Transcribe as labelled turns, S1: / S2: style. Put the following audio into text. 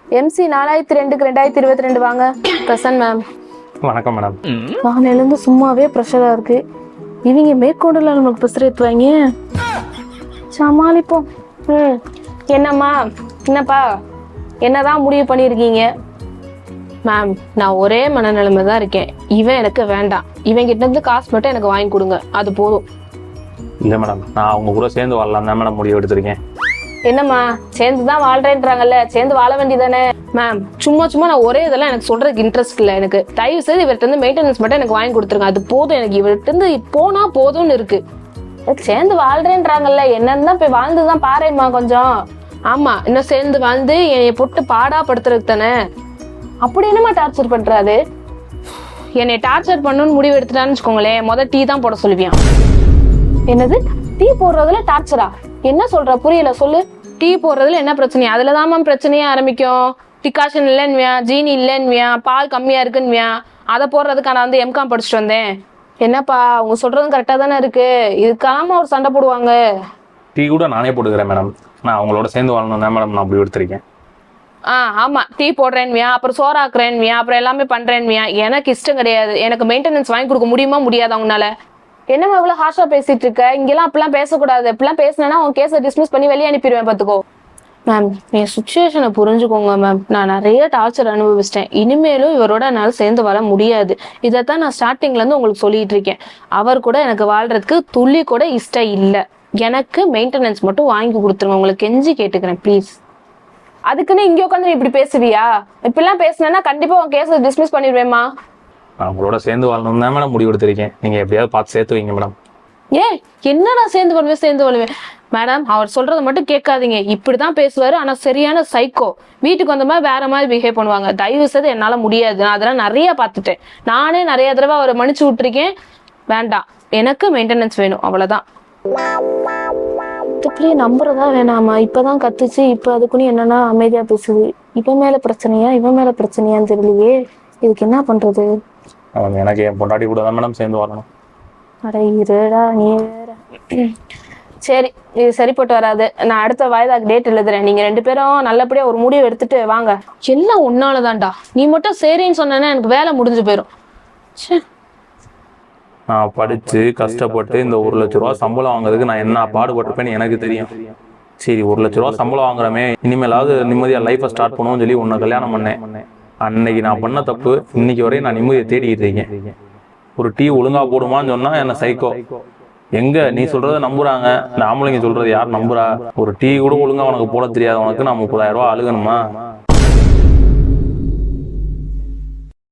S1: MC 4002க்கு 2022 வாங்க. Present ma'am.
S2: வணக்கம் மேடம்.
S1: காலையிலேருந்து சும்மாவே ப்ரெஷராக இருக்கு. இவங்க மேற்கொண்டுல நமக்கு ப்ரெஷர் ஏற்றுவாங்க. சமாளிப்போம். என்னம்மா என்னப்பா என்னதான் முடிவு பண்ணியிருக்கீங்க? மேம் நான் ஒரே மனநிலைமை தான் இருக்கேன். இவன் எனக்கு வேண்டாம். இவன் கிட்ட இருந்து காசு மட்டும் எனக்கு வாங்கி கொடுங்க, அது போதும்.
S2: இல்லை மேடம், நான் அவங்க கூட சேர்ந்து வாழலாம் தான் மேடம் முடிவு எடுத்திருக்கேன்.
S1: என்னம்மா சேர்ந்து தான் வாழ்றேன்றாங்கல்ல, சேர்ந்து வாழ வேண்டியதானே? மேம் சும்மா சும்மா நான் ஒரே இதெல்லாம் எனக்கு சொல்றதுக்கு இன்ட்ரெஸ்ட் இல்லை. எனக்கு தயவு செய்து இவர்கிட்ட இருந்து மெயின்டெனன்ஸ் மட்டும் எனக்கு வாங்கி கொடுத்துருங்க, அது போதும். எனக்கு இவர்கிட்ட இருந்து போனா போதும்னு இருக்கு. சேர்ந்து வாழ்றேன்றாங்கல்ல, என்னன்னு போய் வாழ்ந்துதான் பாருமா கொஞ்சம். ஆமா, இன்னும் சேர்ந்து வாழ்ந்து என்னைய போட்டு பாடா படுத்துறதுக்கு தானே. அப்படி என்னமா டார்ச்சர் பண்றாரு? என்னை டார்ச்சர் பண்ணணும்னு முடிவு எடுத்துட்டான்னு வச்சுக்கோங்களேன், முதல் டீ தான் போட சொல்லுவியான். என்னது டீ போடுறதுல டார்ச்சரா? என்ன சொல்ற, புரியல, சொல்லு. டீ போடுறதுல என்ன பிரச்சனையா? அதுலதான் மேம் பிரச்சனையே ஆரம்பிக்கும். டிகாஷன் இல்லைன்னுவியா, ஜீனி இல்லைன்னுவியா, பால் கம்மியா இருக்குன்னுவியா. அதை போடுறதுக்கு நான் வந்து எம்காம் படிச்சுட்டு வந்தேன். என்னப்பா அவங்க சொல்றதும் கரெக்டா தானே இருக்கு, இதுக்காம ஒரு சண்டை போடுவாங்க.
S2: டீ கூட நானே போட்டுக்கிறேன் மேடம். நான் அவங்களோட சேர்ந்து வாழணும் தான் மேடம் நான் முடிவு எடுத்திருக்கேன்.
S1: ஆமா, டீ போடுறேன்வியா, அப்புறம் சோறாக்குறேன்வியா, அப்புறம் எல்லாமே பண்றேன்வியா. எனக்கு இஷ்டம் கிடையாது. எனக்கு மெயின்டெனன்ஸ் வாங்கி கொடுக்க முடியுமா முடியாது அவங்களால? என்னமா இவ்வளவு ஹார்ஷா பேசிட்டு இருக்க? இங்கெல்லாம் அப்படிலாம் பேசக்கூடாது. அப்படிலாம் பேசினா உன் கேஸை டிஸ்மிஸ் பண்ணி வெளியே அனுப்பிடுவேன் பாத்துக்கோ. மேம் என் சுச்சுவேஷனை புரிஞ்சுக்கோங்க மேம். நான் நிறைய டார்ச்சர் அனுபவிச்சிட்டேன். இனிமேலும் இவரோட என்னால் சேர்ந்து வாழ முடியாது. இதைத்தான் நான் ஸ்டார்டிங்ல இருந்து உங்களுக்கு சொல்லிட்டு இருக்கேன். அவர் கூட எனக்கு வாழ்றதுக்கு துள்ளி கூட இஷ்டம் இல்லை. எனக்கு மெயின்டெனன்ஸ் மட்டும் வாங்கி கொடுத்துருங்க, உங்களுக்கு கெஞ்சி கேட்டுக்கிறேன் ப்ளீஸ். அதுக்குன்னு இங்கே உட்காந்து இப்படி பேசுவியா? இப்படிலாம் பேசினா கண்டிப்பா உன் கேஸை டிஸ்மிஸ் பண்ணிடுவேம்மா.
S2: நான் அவங்களோட சேர்ந்து வாழணும் தான் மேடம் முடிவு எடுத்திருக்கேன். நீங்க எப்படியாவது பார்த்து சேர்த்து வைங்க மேடம்.
S1: என்ன நான் சேர்ந்து வருவேன் மேடம். அவர் சொல்றதை மட்டும் கேட்காதீங்க. இப்படிதான் பேசுவாரு, ஆனா சரியான சைக்கோ. வீட்டுக்கு வந்த மாதிரி வேற மாதிரி பிஹேவ் பண்ணுவாங்க. தயவு செய்து என்னால முடியாது. நான் அதெல்லாம் நிறைய பார்த்துட்டேன். நானே நிறைய தடவை அவரை மன்னிச்சு விட்டுருக்கேன். வேண்டாம், எனக்கு மெயின்டெனன்ஸ் வேணும், அவ்வளவுதான். இப்படியே நம்புறதா வேணாமா? இப்பதான் கத்துச்சு, இப்ப அதுக்குன்னு என்னன்னா அமைதியா பேசுது. இவன் மேல பிரச்சனையான்னு தெரியலையே. இதுக்கு என்ன பண்றது?
S2: அவங்க எனக்கு என் பொண்டாட்டி கூட தான் மேடம் சேர்ந்து வாழணும்.
S1: அட இருடா நீ வேற. சரி, இது சரிப்பட்டு வராது. நான் அடுத்த வாய்தாக்கு டேட் எழுதுறேன். நீங்க 2 பேரும் நல்லபடியா ஒரு முடிவு எடுத்துட்டு வாங்க. எல்லாம் உன்னாலதான்டா. நீ மட்டும் சரின்னு சொன்னா எனக்கு வேலை முடிஞ்சு போயிடும்.
S2: நான் படிச்சு கஷ்டப்பட்டு இந்த 1 லட்ச ரூபா சம்பளம் வாங்குறதுக்கு நான் என்ன பாடுபட்டிருப்பேன்னு எனக்கு தெரியும். சரி, 1 லட்ச ரூபா சம்பளம் வாங்குறமே, இனிமேலாவது நிம்மதியா லைஃபை ஸ்டார்ட் பண்ணுவோம்னு சொல்லி உன்னை கல்யாணம் பண்ணேன். அன்னைக்கு நான் பண்ண தப்பு இன்னைக்கு வரையும் நான் நிம்மதியை தேடிக்கிட்டு இருக்கேன். ஒரு டீ ஒழுங்கா போடுமான்னு சொன்னா என்ன சைக்கோ. எங்க நீ சொல்றத நம்புறாங்க, இந்த ஆம்பளைங்க சொல்றது யார் நம்புறா? ஒரு டீ கூட ஒழுங்கா உனக்கு போட தெரியாது, உனக்கு நான் 30,000 ரூபா அழுகணுமா?